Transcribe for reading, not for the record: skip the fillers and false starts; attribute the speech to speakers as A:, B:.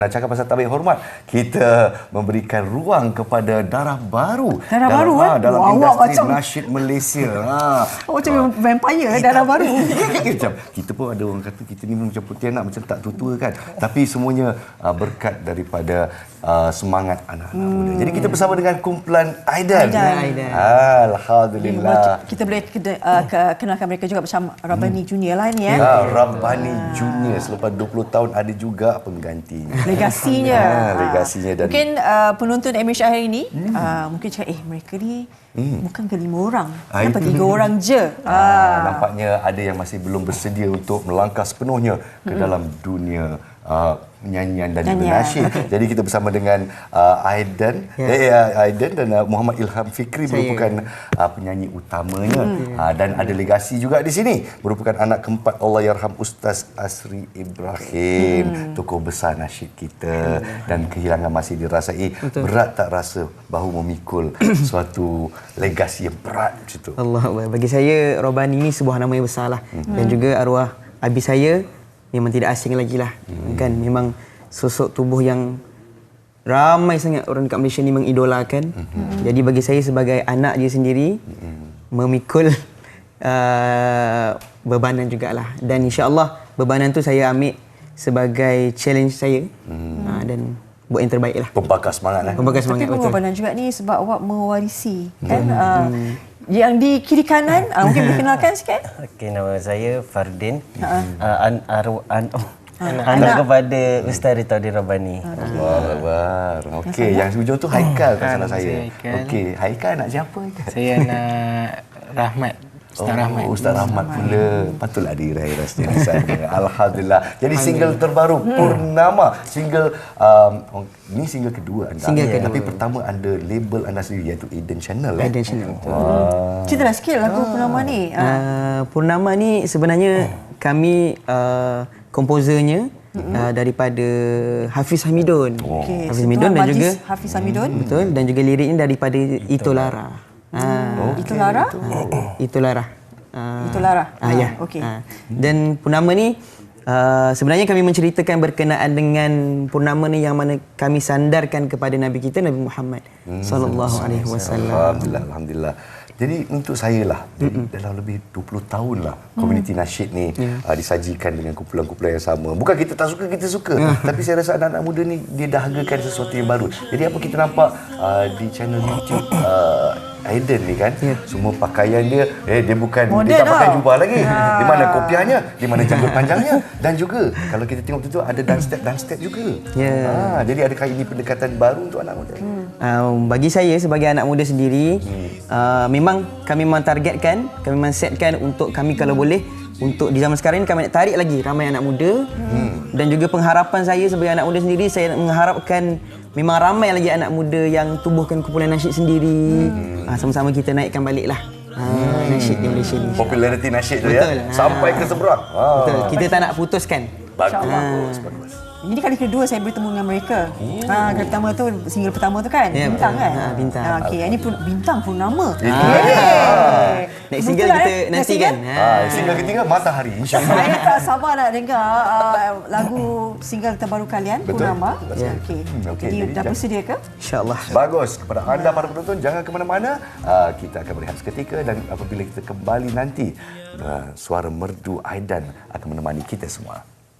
A: Nak cakap pasal tabik hormat, kita memberikan ruang kepada darah baru.
B: Darah baru
A: dalam industri
B: macam
A: nasyid Malaysia.
B: Macam vampire darah baru.
A: Macam kita pun ada orang kata kita ni macam putih anak, macam tak tua-tua kan. Tapi semuanya berkat daripada semangat anak-anak muda. Jadi kita bersama dengan kumpulan Aidan. Alhamdulillah.
B: Kita boleh kenalkan mereka juga bersama Rabbani Junior lah ni
A: Rabbani Junior selepas 20 tahun ada juga penggantinya.
B: Legasinya.
A: Dan
B: mungkin penonton MH hari ini mungkin cakap mereka ni bukan ke 5 orang, kenapa 3 orang je.
A: Nampaknya ada yang masih belum bersedia untuk melangkah sepenuhnya ke dalam dunia nyanyian dan juga nasyid. Jadi kita bersama dengan Aidan dan Muhammad Ilham Fikri merupakan penyanyi utamanya dan ada legasi juga di sini, merupakan anak keempat Allahyarham Ustaz Asri Ibrahim, tokoh besar nasyid kita, dan kehilangan masih dirasai. Berat tak rasa bahu memikul suatu legasi yang berat macam tu?
C: Allah, bagi saya Rabbani ini sebuah nama yang besarlah, dan juga arwah abi saya memang tidak asing lagi lah. Kan memang sosok tubuh yang ramai sangat orang dekat Malaysia ni mengidolakan. Jadi bagi saya sebagai anak dia sendiri memikul bebanan jugalah, dan insya-Allah bebanan tu saya ambil sebagai challenge saya dan buat yang terbaik lah.
A: Pembakar semangat lah.
C: Pembakar semangat.
B: Tapi bebanan juga ni sebab awak mewarisi kan yang di kiri kanan mungkin dikenalkan sikit.
D: Okey, nama saya Fardin. Anak kepada Ustaz Ritauddin Rabbani.
A: Allahuakbar. Okey, yang hujung tu Haikal tak salah saya. Okey, Haikal anak siapa?
E: Saya anak Rahmat. Ustaz Rahmat.
A: Ustaz Rahmat pula. Patutlah diraih rasanya di sana. Alhamdulillah. Jadi single terbaru Purnama, single ni single kedua anda. Tapi pertama anda label anda sendiri iaitu Aidan Channel.
C: Aidan Channel.
B: Ceritalah sikit lagu Purnama ni.
C: Purnama ni sebenarnya kami komposernya daripada Hafiz Hamidun. Hafiz Hamidun dan juga
B: Hafiz Hamidun.
C: Betul, dan juga liriknya daripada Ito Lara.
B: Itu Lara?
C: Itu Lara.
B: Itu Lara.
C: Ya.
B: Okey.
C: Dan Purnama ni sebenarnya kami menceritakan berkenaan dengan Purnama ni yang mana kami sandarkan kepada Nabi kita Nabi Muhammad sallallahu alaihi wasallam.
A: Alhamdulillah. Jadi untuk saya lah, dalam lebih 20 tahun lah komuniti nasyid ni disajikan dengan kumpulan-kumpulan yang sama. Bukan kita tak suka, kita suka. Tapi saya rasa anak-anak muda ni dia dahagakan sesuatu yang baru. Jadi apa kita nampak di channel YouTube Aidan ni kan, semua pakaian dia dia bukan
B: modern,
A: dia tak pakai jubah lagi. Di mana kopiahnya, di mana janggut panjangnya, dan juga kalau kita tengok tu ada dance step juga. Jadi adakah ini pendekatan baru untuk anak muda?
C: Bagi saya sebagai anak muda sendiri, memang kami targetkan, kami setkan untuk kami kalau boleh untuk di zaman sekarang ni kami nak tarik lagi ramai anak muda. Dan juga pengharapan saya sebagai anak muda sendiri, saya mengharapkan memang ramai lagi anak muda yang tubuhkan kumpulan nasyid sendiri. Sama-sama kita naikkan baliklah nasyid di Malaysia ni.
A: Populariti nasyid tu ya sampai ke seberang.
C: Betul. Kita tak nak putuskan.
A: Bagus.
B: Ini kali kedua saya bertemu dengan mereka. Kali pertama tu, single pertama tu kan? Bintang kan?
C: Bintang.
B: Okey, ini pun Bintang Purnama.
C: Next single kita nantikan.
A: Single ketiga Matahari, insya-Allah.
B: Saya tak sabar nak dengar lagu single terbaru kalian, Purnama. Okey. Jadi dah bersedia ke?
C: InsyaAllah.
A: Bagus. Kepada anda para penonton, jangan ke mana-mana. Kita akan berehat seketika, dan apabila kita kembali nanti, suara merdu Aidan akan menemani kita semua.